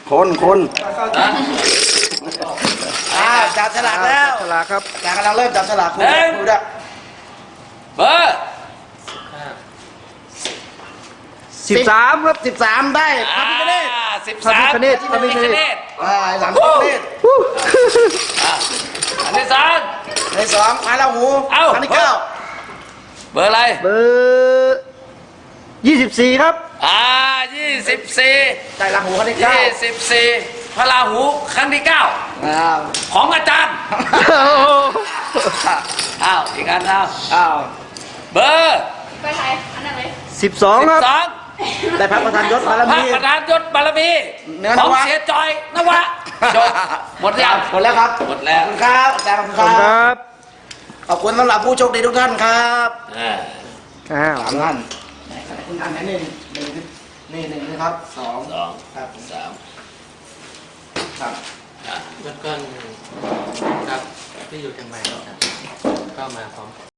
คนจับฉลากแล้วฉลากครับจากกำลังเริ่มจับฉลากคุณดูด้วยเบอร์ 13ครับ 13ได้พระพิฆเนศ 13 พระพิฆเนศพระพิฆเนศหลังพระพิฆเนศอันที่สองใน2พระราหูเอ้าครั้งที่เบอร์อะไรเบอร์24ครับ 24 9ได้ราหูครั้งที่9 24พระราหูครั้งที่ 9 ของอาจารย์ อ้าวอีกอันเอาเบอร์ไปไหนอันนั้นเลย 12ครับ 12 ได้พระประธานยศบารพระมีประธานยศบารมีเนื้อนของวะเสียจอยนวะจบหมดยังหมดแล้วครับหมดแล้วขอบคุณครับอาจารย์ขอบขอบคุคุณ ณคครับ รับขอบคุณสำหรับผู้โชคดีทุกท่านครับอ้าว 3 ท่านคุณอันไหนนี่หนึ่งนะครับ2 2 ครับ 3 ครับแล้วก็ครับที่อยู่เชียงใหม่ครับก็มาพร้อม